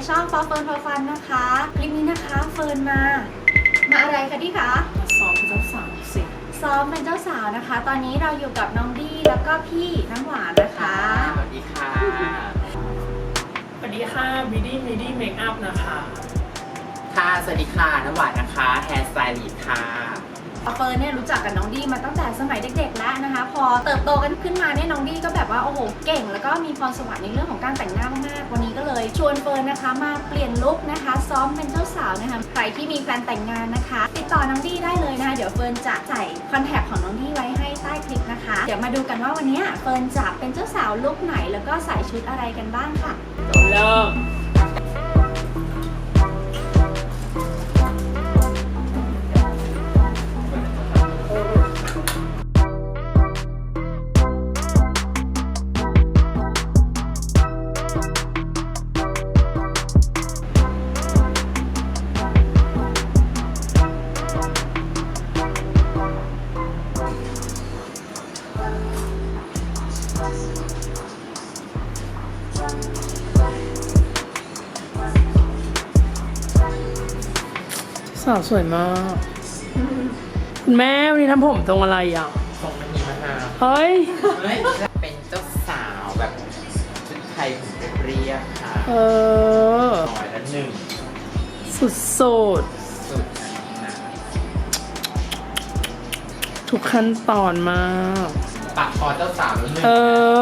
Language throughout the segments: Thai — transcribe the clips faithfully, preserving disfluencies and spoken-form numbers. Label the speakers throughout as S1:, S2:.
S1: ช่อง For Fun For Fun นะคะคลิปนี้นะคะเฟิร์นมามาอะไรคะดิคะ
S2: มาซ้อมเป็นเจ้าสาวสิ
S1: ซ้อมเป็นเจ้าสาวนะคะตอนนี้เราอยู่กับน้องดี้แล้วก็พี่น้ำหวานนะคะ
S3: สวัสดีค่ะ
S2: สวัสดีค่ะวิดี้วิดี้เมคอัพนะคะ
S3: ค่ะสวัสดีค่ะน้ำหวานนะคะแฮร์สไตลิสต์ค่ะ
S1: เฟิร์นเนี่ยรู้จักกับน้องดี้มาตั้งแต่สมัยเด็กๆแล้วนะคะพอเติบโตกันขึ้นมาเนี่ยน้องดี้ก็แบบว่าโอ้โหเก่งแล้วก็มีพรสวรรค์ในเรื่องของการแต่งหน้ามากๆวันนี้ก็เลยชวนเฟิร์นนะคะมาเปลี่ยนลุคนะคะซ้อมเป็นเจ้าสาวนะคะใครที่มีแพลนแต่งงานนะคะติดต่อน้องดี้ได้เลยนะคะเดี๋ยวเฟิร์นจะใส่คอนแทคของน้องดี้ไว้ให้ใต้คลิปนะคะเดี๋ยวมาดูกันว่าวันนี้เฟิร์นจะเป็นเจ้าสาวลุคไหนแล้วก็ใส่ชุดอะไรกันบ้างค่ะ
S2: เริ่มสาวสวยมากคุณแม่วันนี้ทำผมตรงอะไรอ่ะ
S3: ทรงมันมีมะนาว
S2: เฮ้ย
S3: เป็นเจ้าสาวแบบชุดไทยผมเรียบค่ะ
S2: เออ
S3: น้อยละหนึ่ง
S2: สุดสุด
S3: สุดนะ
S2: ทุกขั้นตอนมาก
S3: ปากคอเจ้าสาวแล้วหนึ่ง
S2: เออ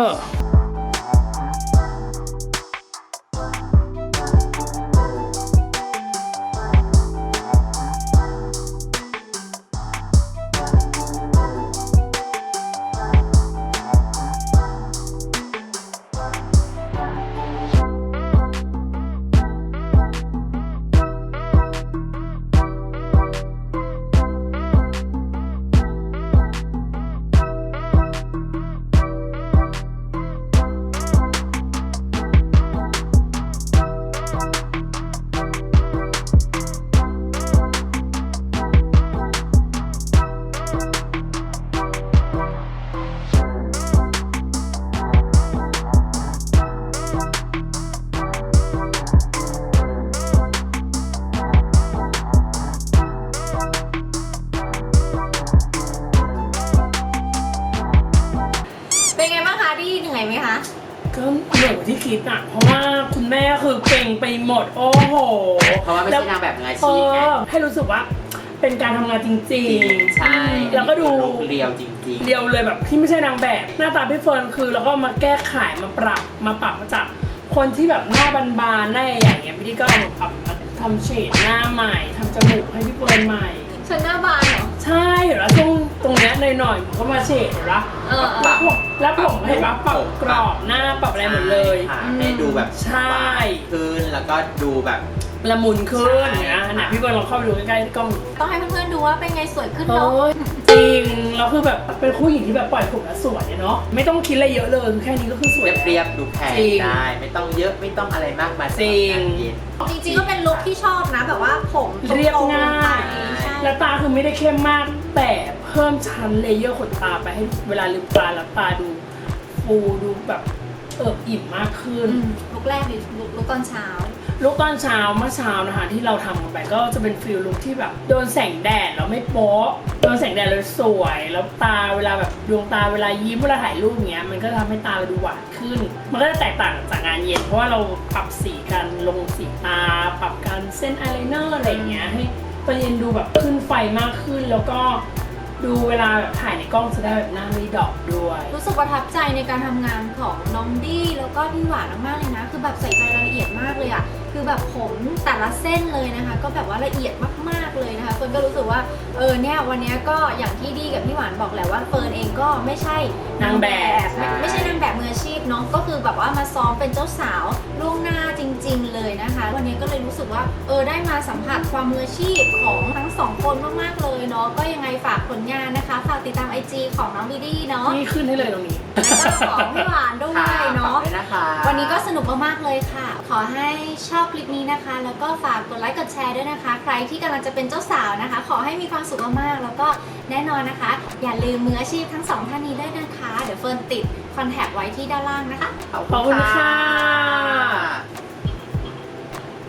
S1: เหนื่อยไหมคะ
S2: ก็เหนื่อยกว่าที่คิดอ่ะเพราะว่าคุณแม่คือเก่งไปหมดโอ้โห
S3: เพราะว่าไม่ใช่นางแบบมืออาชีพไง
S2: ให้รู้สึกว่าเป็นการทำงานจริง
S3: ๆใช่
S2: แล้วก็ดู
S3: เรียวจริงๆ
S2: เรียวเลยแบบที่ไม่ใช่นางแบบหน้าตาพี่เฟิร์นคือแล้วก็มาแก้ไขมาปรับมาปรับมาจากคนที่แบบหน้าบานๆหน้าอย่างเงี้ยพี่ก็เอามาปรับทำเฉดหน้าใหม่ทำจมูกให้พี่เฟิร์นใหม่
S1: ฉันหน้าบานเหรอ
S2: ใช่เห็นแล้วตรงตรงเนี้ยหน่อยๆผมก็มาเฉดเห็นปะแล้วผมแล้วผมเห็นปะปรับกรอบหน้าปรับอะไรหมดเลย
S3: ให้ดูแบบ
S2: ใช่
S3: ขึ้นแล้วก็ดูแบบ
S2: ละมุนขึ้นนะนะพี่บอลลองเข้าไปดูใกล้ๆกล้อง
S1: ต้องให้เพื่อนๆดูว่าเป็นไงสวยขึ้นเนาะ
S2: จริงแล้วคือแบบเป็นคู่หญิงที่แบบปล่อยผมแล้วสวยเนาะไม่ต้องคิดอะไรเยอะเลยแค่นี้ก็คือสวย
S3: เรียบๆดูแพงได้ไม่ต้องเยอะไม่ต้องอะไรมากมาย
S2: จริง
S1: จริงๆก็เป็นลุคที่ชอบนะแบบว่าผม
S2: เรียบง่ายและตาคือไม่ได้เข้มมากแต่เพิ่มชั้นเลเยอร์ขนตาไปให้เวลาลืมตาแล้วตาดูฟูดูแบบเอิบอิ่มมากขึ้น
S1: ลุคแรกเลยลุคตอนเช้า
S2: ลุคตอนเช้าเมื่อเช้านะคะที่เราทำกันไปก็จะเป็นฟิลลุคที่แบบโดนแสงแดดแล้วไม่โป๊ะโดนแสงแดดแล้วสวยแล้วตาเวลาแบบดวงตาเวลายิ้มเวลาถ่ายรูปเงี้ยมันก็ทำให้ตาเราดูหวานขึ้นมันก็จะแตกต่างจากงานเย็นเพราะว่าเราปรับสีกันลงสีตาปรับการเส้นอายไลเนอร์อะไรเงี้ยให้ตอนเย็นดูแบบขึ้นไฟมากขึ้นแล้วก็ดูเวลาแบบถ่ายในกล้องจะได้แบบหน้าไม่ดอกด้วย
S1: รู้สึกประทับใจในการทำงานของน้องดี้แล้วก็พี่หวานมากเลยนะคือแบบใส่ใจรายละเอียดมากเลยอะคือแบบผมแต่ละเส้นเลยนะคะก็แบบว่าละเอียดมากๆเลยนะคะเฟิร์นก็รู้สึกว่าเออเนี่ยวันนี้ก็อย่างที่ดี้กับพี่หวานบอกแหละว่าเฟิร์นเองก็ไม่ใช่
S2: นางแบบ
S1: ไม่ใช่นางแบบมืออาชีพเนาะก็คือแบบว่ามาซ้อมเป็นเจ้าสาวล่วงหน้าจริงๆเลยนะคะวันนี้ก็เลยรู้สึกว่าเออได้มาสัมผัสความมืออาชีพของทั้งสองคนมากๆเลยเนาะก็ยังไงฝากผลงานนะคะฝากติดตาม ไอ จี ของน้องดี้ดี้เนาะ
S2: นี่ขึ้นให้เลยตรงนี้
S1: แล้วก็ของพี่หวานด้วยเนาะวันนี้ก็สนุกมากๆเลยค่ะขอให้ชอบคลิปนี้นะคะแล้วก็ฝากกดไลค์กดแชร์ด้วยนะคะใครที่กำลังจะเป็นเจ้าสาวนะคะขอให้มีความสุขมากๆแล้วก็แน่นอนนะคะอย่าลืมมืออาชีพทั้งสองท่านนี้ด้วยนะคะเดี๋ยวเฟิร์นติดคอนแทคไว้ที่ด้านล่างนะคะ
S2: ขอบคุณค่ะ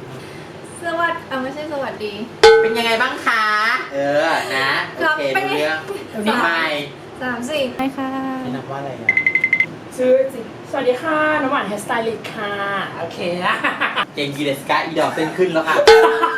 S1: สวัสดีอ่ะไม่ใช่สวัสดี
S3: เป็นยังไงบ้างคะ เออ นะ โอเค
S1: เป็น
S3: รู้
S1: ไง
S3: เรื่อง
S2: เดี๋ยวนี้
S3: ทำไม
S1: สามสี่ไปค่ะ
S3: นี่นับว่าอะไรอ่ะ
S2: ชื่อสิสวัสดีค่ะ น้ำหวานเฮสไตลิสต์ค่ะ โอเคนะ
S3: เก่งกีเดสกาอีดอกเต้นขึ้นแล้วค่ะ